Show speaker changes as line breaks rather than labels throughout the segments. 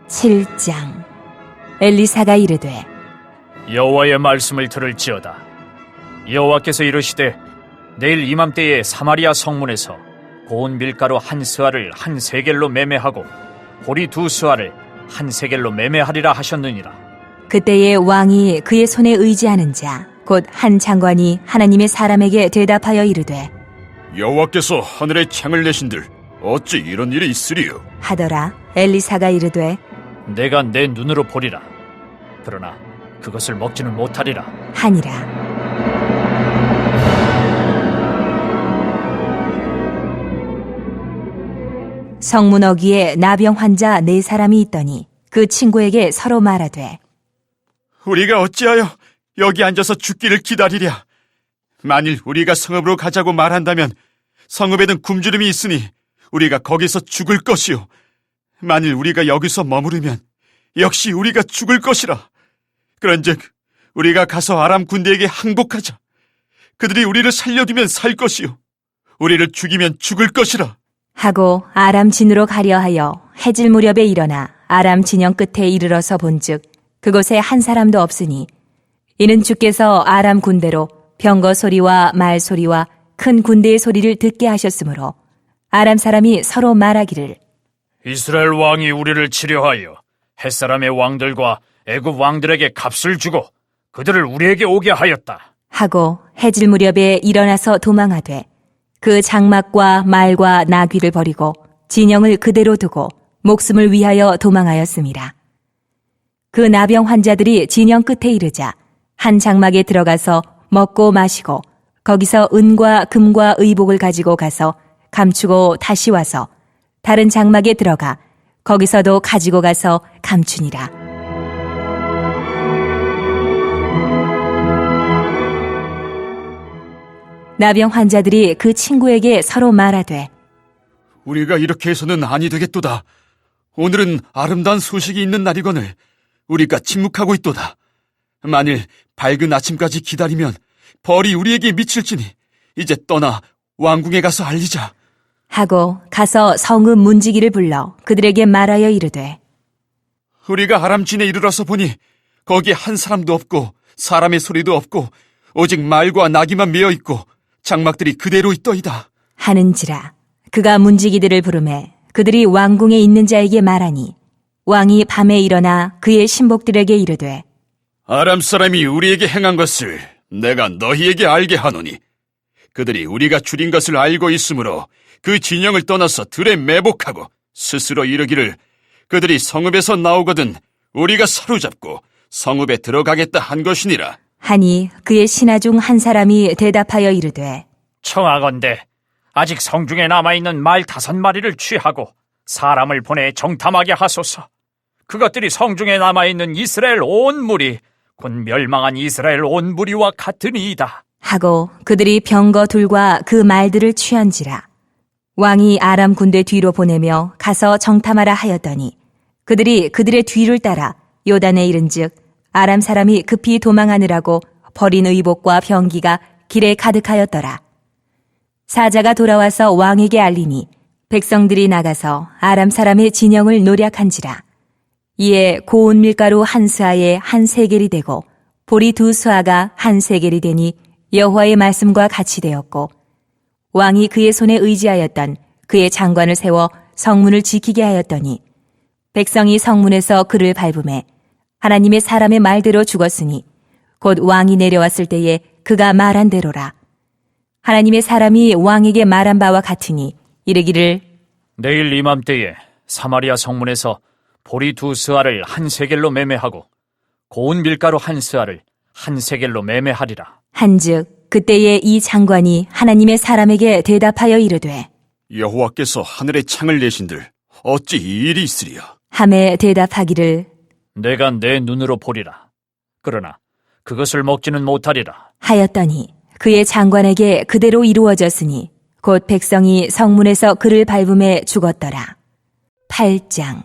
7장. 엘리사가 이르되
여호와의 말씀을 들을지어다. 여호와께서 이르시되 내일 이맘때에 사마리아 성문에서 고운 밀가루 한 스아를 한 세겔로 매매하고 보리 두 스아를 한 세겔로 매매하리라 하셨느니라.
그때에 왕이 그의 손에 의지하는 자 곧 한 장관이 하나님의 사람에게 대답하여 이르되
여호와께서 하늘에 창을 내신들 어찌 이런 일이 있으리요?
하더라. 엘리사가 이르되
내가 내 눈으로 보리라. 그러나 그것을 먹지는 못하리라
하니라. 성문 어귀에 나병 환자 4사람이 있더니 그 친구에게 서로 말하되
우리가 어찌하여 여기 앉아서 죽기를 기다리랴? 만일 우리가 성읍으로 가자고 말한다면 성읍에는 굶주림이 있으니 우리가 거기서 죽을 것이요. 만일 우리가 여기서 머무르면 역시 우리가 죽을 것이라. 그런즉 우리가 가서 아람 군대에게 항복하자. 그들이 우리를 살려두면 살 것이요 우리를 죽이면 죽을 것이라.
하고 아람 진으로 가려 하여 해질 무렵에 일어나 아람 진영 끝에 이르러서 본즉 그곳에 한 사람도 없으니 이는 주께서 아람 군대로 병거 소리와 말 소리와 큰 군대의 소리를 듣게 하셨으므로 아람 사람이 서로 말하기를
이스라엘 왕이 우리를 치려하여 햇사람의 왕들과 애굽 왕들에게 값을 주고 그들을 우리에게 오게 하였다
하고 해질 무렵에 일어나서 도망하되 그 장막과 말과 나귀를 버리고 진영을 그대로 두고 목숨을 위하여 도망하였습니다. 그 나병 환자들이 진영 끝에 이르자 한 장막에 들어가서 먹고 마시고 거기서 은과 금과 의복을 가지고 가서 감추고 다시 와서 다른 장막에 들어가 거기서도 가지고 가서 감추니라. 나병 환자들이 그 친구에게 서로 말하되
우리가 이렇게 해서는 아니 되겠도다. 오늘은 아름다운 소식이 있는 날이거늘 우리가 침묵하고 있도다. 만일 밝은 아침까지 기다리면 벌이 우리에게 미칠지니 이제 떠나 왕궁에 가서 알리자.
하고 가서 성읍 문지기를 불러 그들에게 말하여 이르되
우리가 아람진에 이르러서 보니 거기에 한 사람도 없고 사람의 소리도 없고 오직 말과 나귀만 메어 있고 장막들이 그대로 있더이다.
하는지라. 그가 문지기들을 부르매 그들이 왕궁에 있는 자에게 말하니 왕이 밤에 일어나 그의 신복들에게 이르되
아람 사람이 우리에게 행한 것을 내가 너희에게 알게 하노니 그들이 우리가 줄인 것을 알고 있으므로 그 진영을 떠나서 들에 매복하고 스스로 이르기를 그들이 성읍에서 나오거든 우리가 사로잡고 성읍에 들어가겠다 한 것이니라.
하니 그의 신하 중 한 사람이 대답하여 이르되
청하건대 아직 성중에 남아있는 말 5마리를 취하고 사람을 보내 정탐하게 하소서. 그것들이 성중에 남아있는 이스라엘 온 무리 곧 멸망한 이스라엘 온 무리와 같으니이다.
하고 그들이 병거 둘과 그 말들을 취한지라. 왕이 아람 군대 뒤로 보내며 가서 정탐하라 하였더니 그들이 그들의 뒤를 따라 요단에 이른즉 아람 사람이 급히 도망하느라고 버린 의복과 병기가 길에 가득하였더라. 사자가 돌아와서 왕에게 알리니 백성들이 나가서 아람 사람의 진영을 노략한지라. 이에 고운 밀가루 한 스아에 한 세겔이 되고 보리 2스아가 한 세겔이 되니 여호와의 말씀과 같이 되었고 왕이 그의 손에 의지하였던 그의 장관을 세워 성문을 지키게 하였더니 백성이 성문에서 그를 밟음에 하나님의 사람의 말대로 죽었으니 곧 왕이 내려왔을 때에 그가 말한 대로라. 하나님의 사람이 왕에게 말한 바와 같으니 이르기를
내일 이맘때에 사마리아 성문에서 보리 2스아를 한 세겔로 매매하고 고운 밀가루 한 스아를 한 세겔로 매매하리라.
한즉 그때에 이 장관이 하나님의 사람에게 대답하여 이르되
여호와께서 하늘에 창을 내신들 어찌 이 일이 있으리야?
함에 대답하기를
내가 내 눈으로 보리라. 그러나 그것을 먹지는 못하리라.
하였더니 그의 장관에게 그대로 이루어졌으니 곧 백성이 성문에서 그를 밟음에 죽었더라. 8장.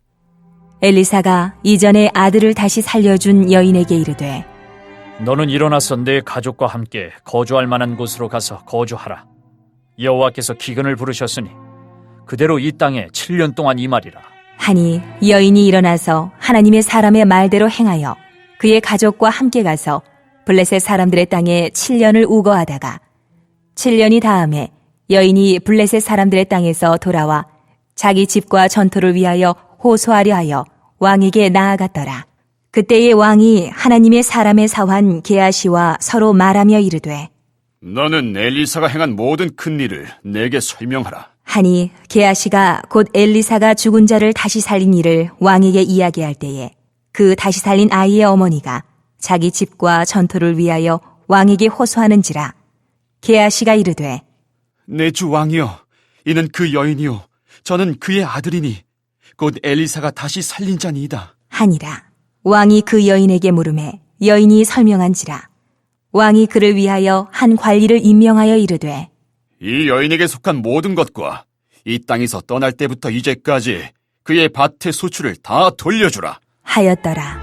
엘리사가 이전에 아들을 다시 살려준 여인에게 이르되
너는 일어나서 내 가족과 함께 거주할 만한 곳으로 가서 거주하라. 여호와께서 기근을 부르셨으니 그대로 이 땅에 7년 동안 임하리라.
하니 여인이 일어나서 하나님의 사람의 말대로 행하여 그의 가족과 함께 가서 블레셋 사람들의 땅에 7년을 우거하다가 7년이 다음에 여인이 블레셋 사람들의 땅에서 돌아와 자기 집과 전토를 위하여 호소하려 하여 왕에게 나아갔더라. 그때의 왕이 하나님의 사람의 사환 게하시와 서로 말하며 이르되
너는 엘리사가 행한 모든 큰 일을 내게 설명하라.
하니 게하시가 곧 엘리사가 죽은 자를 다시 살린 일을 왕에게 이야기할 때에 그 다시 살린 아이의 어머니가 자기 집과 전토를 위하여 왕에게 호소하는지라. 게하시가 이르되
내 주 왕이여, 이는 그 여인이요 저는 그의 아들이니 곧 엘리사가 다시 살린 자니이다
하니라. 왕이 그 여인에게 물으매 여인이 설명한지라. 왕이 그를 위하여 한 관리를 임명하여 이르되
이 여인에게 속한 모든 것과 이 땅에서 떠날 때부터 이제까지 그의 밭의 소출을 다 돌려주라
하였더라.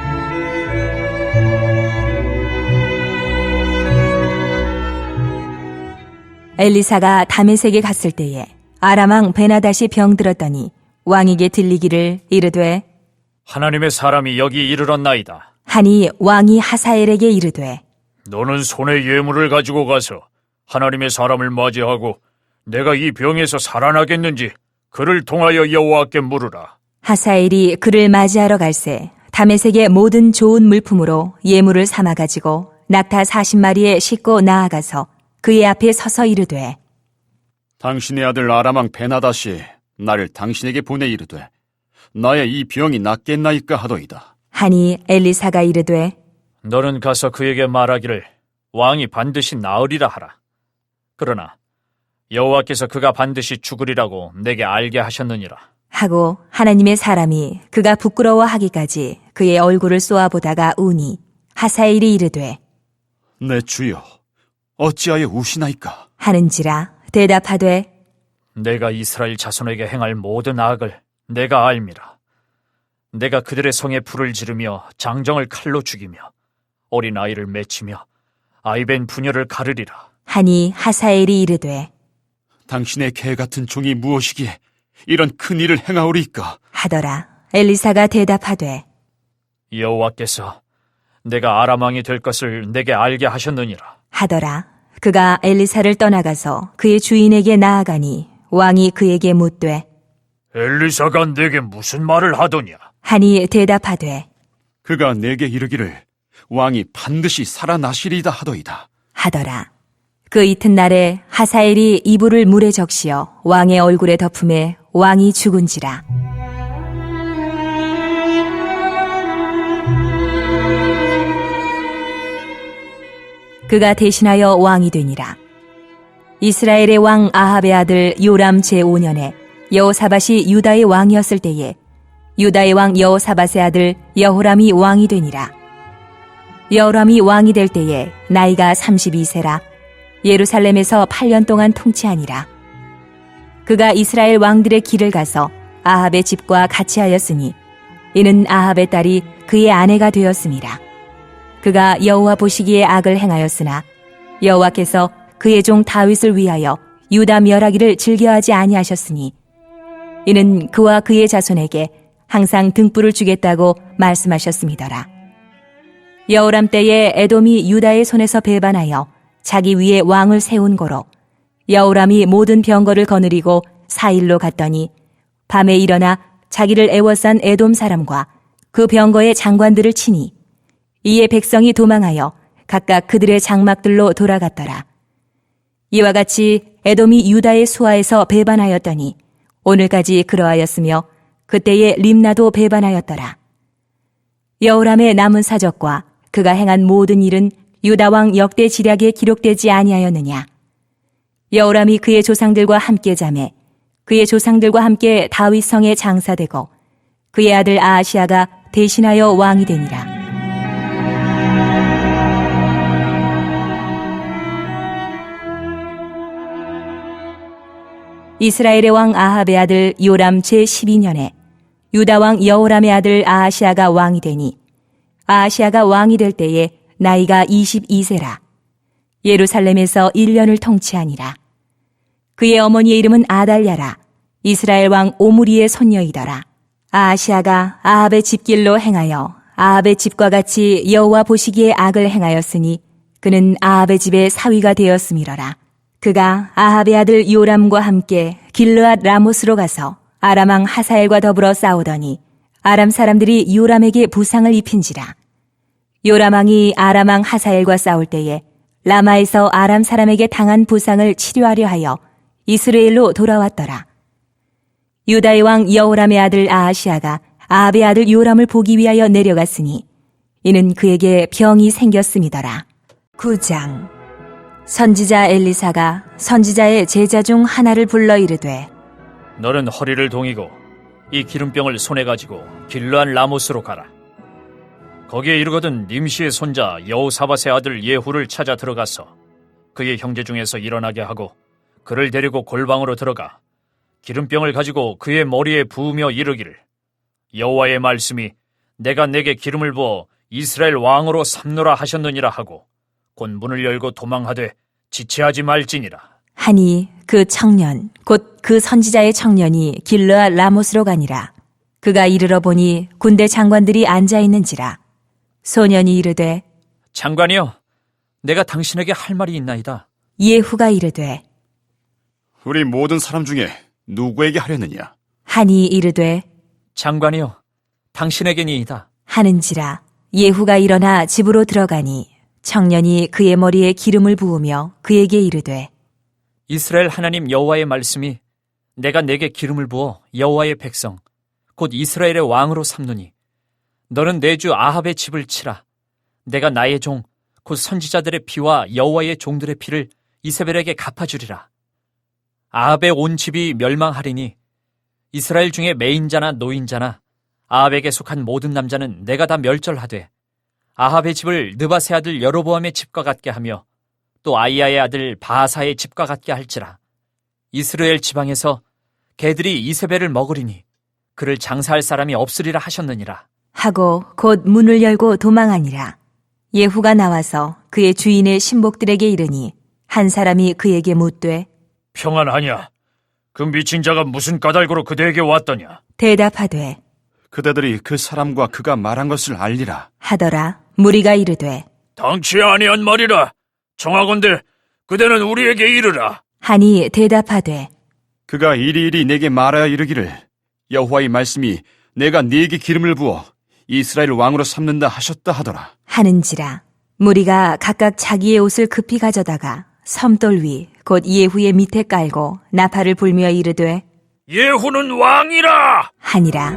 엘리사가 다메섹에 갔을 때에 아람왕 베나닷이 병들었더니 왕에게 들리기를 이르되
하나님의 사람이 여기 이르렀나이다.
하니 왕이 하사엘에게 이르되
너는 손에 예물을 가지고 가서 하나님의 사람을 맞이하고 내가 이 병에서 살아나겠는지 그를 통하여 여호와께 물으라.
하사엘이 그를 맞이하러 갈새 다메섹의 모든 좋은 물품으로 예물을 삼아 가지고 낙타 40마리에 싣고 나아가서 그의 앞에 서서 이르되
당신의 아들 아람왕 베나닷이 나를 당신에게 보내 이르되 나의 이 병이 낫겠나이까 하더이다.
하니 엘리사가 이르되
너는 가서 그에게 말하기를 왕이 반드시 나으리라 하라. 그러나 여호와께서 그가 반드시 죽으리라고 내게 알게 하셨느니라.
하고 하나님의 사람이 그가 부끄러워하기까지 그의 얼굴을 쏘아보다가 우니 하사엘이 이르되
내 주여, 어찌하여 우시나이까?
하는지라. 대답하되
내가 이스라엘 자손에게 행할 모든 악을 내가 알미라. 내가 그들의 성에 불을 지르며 장정을 칼로 죽이며 어린 아이를 맺히며 아이벤 부녀를 가르리라.
하니 하사엘이 이르되
당신의 개 같은 종이 무엇이기에 이런 큰 일을 행하오리이까?
하더라. 엘리사가 대답하되
여호와께서 내가 아람 왕이 될 것을 내게 알게 하셨느니라.
하더라. 그가 엘리사를 떠나가서 그의 주인에게 나아가니 왕이 그에게 묻되
엘리사가 내게 무슨 말을 하더냐?
하니 대답하되
그가 내게 이르기를 왕이 반드시 살아나시리이다 하더이다.
하더라. 그 이튿날에 하사엘이 이불을 물에 적시어 왕의 얼굴에 덮음에 왕이 죽은지라. 그가 대신하여 왕이 되니라. 이스라엘의 왕 아합의 아들 요람 제5년에 여호사밧이 유다의 왕이었을 때에 유다의 왕 여호사밧의 아들 여호람이 왕이 되니라. 여호람이 왕이 될 때에 나이가 32세라 예루살렘에서 8년 동안 통치하니라. 그가 이스라엘 왕들의 길을 가서 아합의 집과 같이 하였으니 이는 아합의 딸이 그의 아내가 되었습니다. 그가 여호와 보시기에 악을 행하였으나 여호와께서 그의 종 다윗을 위하여 유다 멸하기를 즐겨하지 아니하셨으니 이는 그와 그의 자손에게 항상 등불을 주겠다고 말씀하셨음이더라. 여호람 때에 에돔이 유다의 손에서 배반하여 자기 위에 왕을 세운 고로 여호람이 모든 병거를 거느리고 사일로 갔더니 밤에 일어나 자기를 애워싼 에돔 사람과 그 병거의 장관들을 치니 이에 백성이 도망하여 각각 그들의 장막들로 돌아갔더라. 이와 같이 에돔이 유다의 수하에서 배반하였더니 오늘까지 그러하였으며 그때에 림나도 배반하였더라. 여호람의 남은 사적과 그가 행한 모든 일은 유다 왕 역대 지략에 기록되지 아니하였느냐. 여호람이 그의 조상들과 함께 자매 그의 조상들과 함께 다윗 성에 장사되고 그의 아들 아하시아가 대신하여 왕이 되니라. 이스라엘의 왕 아합의 아들 요람 제12년에 유다 왕 여호람의 아들 아하시아가 왕이 되니 아하시아가 왕이 될 때에 나이가 22세라. 예루살렘에서 1년을 통치하니라. 그의 어머니의 이름은 아달랴라. 이스라엘 왕 오므리의 손녀이더라. 아하시아가 아합의 집길로 행하여 아합의 집과 같이 여호와 보시기에 악을 행하였으니 그는 아합의 집의 사위가 되었음이러라. 그가 아합의 아들 요람과 함께 길르앗 라못으로 가서 아람 왕 하사엘과 더불어 싸우더니 아람 사람들이 요람에게 부상을 입힌지라. 요람 왕이 아람 왕 하사엘과 싸울 때에 라마에서 아람 사람에게 당한 부상을 치료하려 하여 이스라엘로 돌아왔더라. 유다의 왕 여호람의 아들 아하시아가 아합의 아들 요람을 보기 위하여 내려갔으니 이는 그에게 병이 생겼음이더라. 9장. 선지자 엘리사가 선지자의 제자 중 하나를 불러 이르되
너는 허리를 동이고 이 기름병을 손에 가지고 길르앗 라못으로 가라. 거기에 이르거든 님시의 손자 여호사밧의 아들 예후를 찾아 들어가서 그의 형제 중에서 일어나게 하고 그를 데리고 골방으로 들어가 기름병을 가지고 그의 머리에 부으며 이르기를 여호와의 말씀이 내가 내게 기름을 부어 이스라엘 왕으로 삼노라 하셨느니라 하고 곧 문을 열고 도망하되 지체하지 말지니라.
하니 그 청년 곧 그 선지자의 청년이 길르앗 라못으로 가니라. 그가 이르러 보니 군대 장관들이 앉아 있는지라. 소년이 이르되
장관이여, 내가 당신에게 할 말이 있나이다.
예후가 이르되
우리 모든 사람 중에 누구에게 하려느냐?
하니 이르되
장관이여, 당신에게니이다.
하는지라. 예후가 일어나 집으로 들어가니 청년이 그의 머리에 기름을 부으며 그에게 이르되
이스라엘 하나님 여호와의 말씀이 내가 내게 기름을 부어 여호와의 백성 곧 이스라엘의 왕으로 삼노니 너는 내 주 아합의 집을 치라. 내가 나의 종 곧 선지자들의 피와 여호와의 종들의 피를 이세벨에게 갚아주리라. 아합의 온 집이 멸망하리니 이스라엘 중에 매인자나 노인자나 아합에게 속한 모든 남자는 내가 다 멸절하되 아합의 집을 느바세 아들 여로보암의 집과 같게 하며 또 아이야의 아들 바하사의 집과 같게 할지라. 이스라엘 지방에서 개들이 이세벨을 먹으리니 그를 장사할 사람이 없으리라 하셨느니라.
하고 곧 문을 열고 도망하니라. 예후가 나와서 그의 주인의 신복들에게 이르니 한 사람이 그에게 묻되
평안하냐? 그 미친 자가 무슨 까닭으로 그대에게 왔더냐?
대답하되
그대들이 그 사람과 그가 말한 것을 알리라.
하더라. 무리가 이르되
당치 아니한 말이라. 정하건대 그대는 우리에게 이르라.
하니 대답하되
그가 이리이리 내게 말하여 이르기를 여호와의 말씀이 내가 네게 기름을 부어 이스라엘 왕으로 삼는다 하셨다 하더라.
하는지라. 무리가 각각 자기의 옷을 급히 가져다가 섬돌 위 곧 예후의 밑에 깔고 나팔을 불며 이르되
예후는 왕이라.
하니라.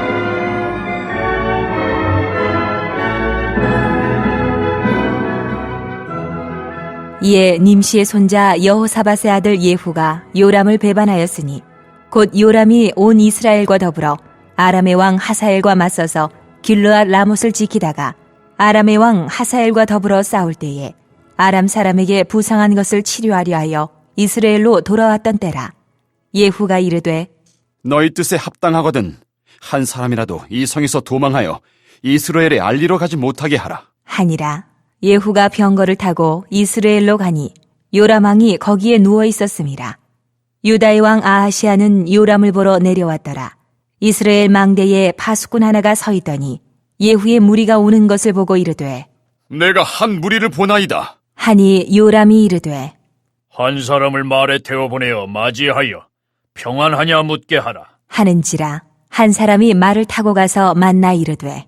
이에 님시의 손자 여호사밧의 아들 예후가 요람을 배반하였으니 곧 요람이 온 이스라엘과 더불어 아람의 왕 하사엘과 맞서서 길르앗 라못을 지키다가 아람의 왕 하사엘과 더불어 싸울 때에 아람 사람에게 부상한 것을 치료하려 하여 이스라엘로 돌아왔던 때라. 예후가 이르되
너희 뜻에 합당하거든 한 사람이라도 이 성에서 도망하여 이스라엘에 알리러 가지 못하게 하라.
하니라. 예후가 병거를 타고 이스라엘로 가니 요람 왕이 거기에 누워 있었음이라. 유다의 왕 아하시아는 요람을 보러 내려왔더라. 이스라엘 망대에 파수꾼 하나가 서 있더니 예후의 무리가 오는 것을 보고 이르되
내가 한 무리를 보나이다.
하니 요람이 이르되
한 사람을 말에 태워보내어 맞이하여 평안하냐 묻게 하라.
하는지라. 한 사람이 말을 타고 가서 만나 이르되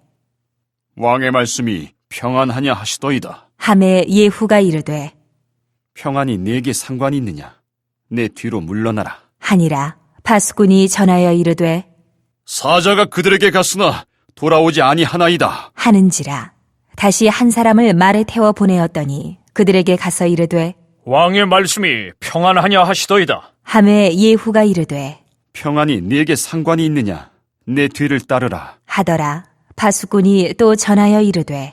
왕의 말씀이 평안하냐 하시더이다.
하매 예후가 이르되
평안이 네게 상관이 있느냐? 내 뒤로 물러나라.
하니라. 파수꾼이 전하여 이르되
사자가 그들에게 갔으나 돌아오지 아니하나이다.
하는지라. 다시 한 사람을 말에 태워 보내었더니 그들에게 가서 이르되
왕의 말씀이 평안하냐 하시더이다.
하매 예후가 이르되
평안이 네게 상관이 있느냐? 내 뒤를 따르라.
하더라. 파수꾼이 또 전하여 이르되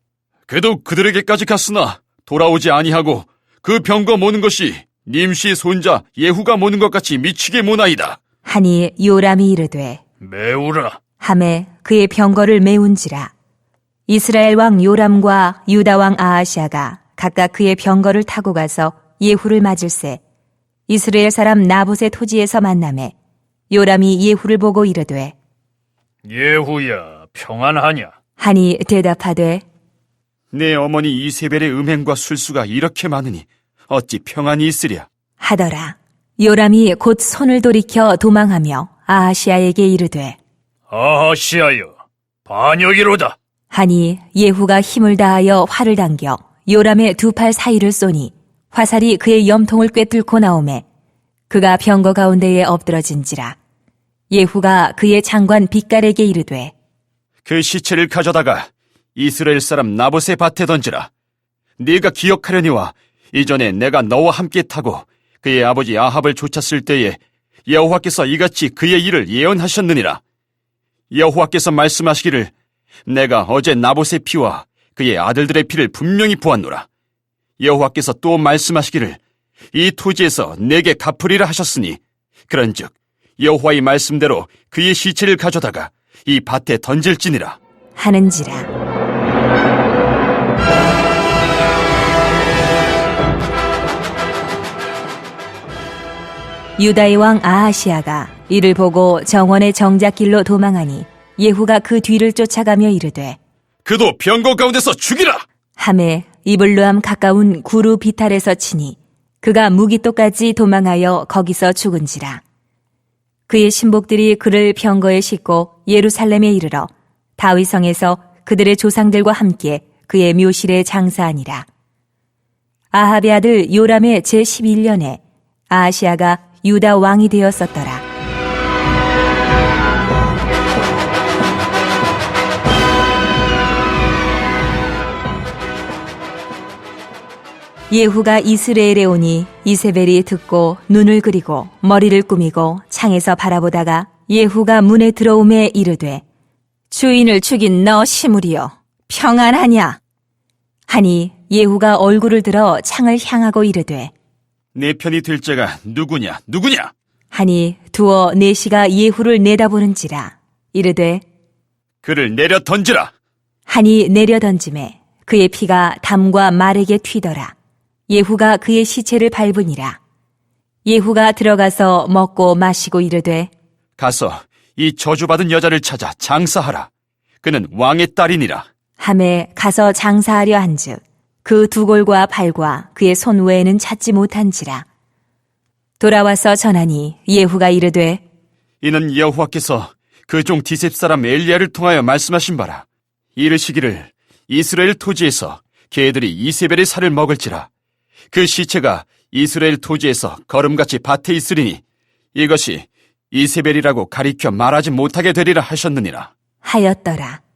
그도 그들에게까지 갔으나 돌아오지 아니하고 그 병거 모는 것이 님시 손자 예후가 모는 것 같이 미치게 모나이다.
하니 요람이 이르되
매우라.
하매 그의 병거를 메운지라. 이스라엘 왕 요람과 유다 왕 아하시아가 각각 그의 병거를 타고 가서 예후를 맞을세 이스라엘 사람 나봇의 토지에서 만나매 요람이 예후를 보고 이르되
예후야, 평안하냐?
하니 대답하되
내 어머니 이세벨의 음행과 술수가 이렇게 많으니 어찌 평안이 있으랴.
하더라. 요람이 곧 손을 돌이켜 도망하며 아하시아에게 이르되
아하시하여, 반역이로다.
하니 예후가 힘을 다하여 활을 당겨 요람의 두 팔 사이를 쏘니 화살이 그의 염통을 꿰뚫고 나오매 그가 병거 가운데에 엎드러진지라. 예후가 그의 장관 빗갈에게 이르되
그 시체를 가져다가 이스라엘 사람 나봇의 밭에 던지라. 네가 기억하려니와 이전에 내가 너와 함께 타고 그의 아버지 아합을 쫓았을 때에 여호와께서 이같이 그의 일을 예언하셨느니라. 여호와께서 말씀하시기를 내가 어제 나봇의 피와 그의 아들들의 피를 분명히 보았노라. 여호와께서 또 말씀하시기를 이 토지에서 내게 갚으리라 하셨으니 그런즉 여호와의 말씀대로 그의 시체를 가져다가 이 밭에 던질지니라
하는지라. 유다의 왕 아하시아가 이를 보고 정원의 정작길로 도망하니 예후가 그 뒤를 쫓아가며 이르되
그도 병거 가운데서 죽이라.
함에 이블루함 가까운 구루 비탈에서 치니 그가 무기토까지 도망하여 거기서 죽은지라. 그의 신복들이 그를 병거에 싣고 예루살렘에 이르러 다윗성에서 그들의 조상들과 함께 그의 묘실에 장사하니라. 아합의 아들 요람의 제11년에 아하시아가 유다 왕이 되었었더라. 예후가 이스라엘에 오니 이세벨이 듣고 눈을 그리고 머리를 꾸미고 창에서 바라보다가 예후가 문에 들어오매 이르되 주인을 죽인 너 시므리여 평안하냐 하니 예후가 얼굴을 들어 창을 향하고 이르되
내 편이 될 자가 누구냐
하니 두어 내시가 예후를 내다보는지라 이르되
그를 내려 던지라.
하니 내려 던짐에 그의 피가 담과 말에게 튀더라. 예후가 그의 시체를 밟으니라. 예후가 들어가서 먹고 마시고 이르되
가서 이 저주받은 여자를 찾아 장사하라. 그는 왕의 딸이니라.
함에 가서 장사하려 한즉 그 두 골과 발과 그의 손 외에는 찾지 못한지라. 돌아와서 전하니 예후가 이르되
이는 여호와께서 그 종 디셉 사람 엘리야를 통하여 말씀하신 바라. 이르시기를 이스라엘 토지에서 개들이 이세벨의 살을 먹을지라. 그 시체가 이스라엘 토지에서 거름같이 밭에 있으리니 이것이 이세벨이라고 가리켜 말하지 못하게 되리라 하셨느니라.
하였더라.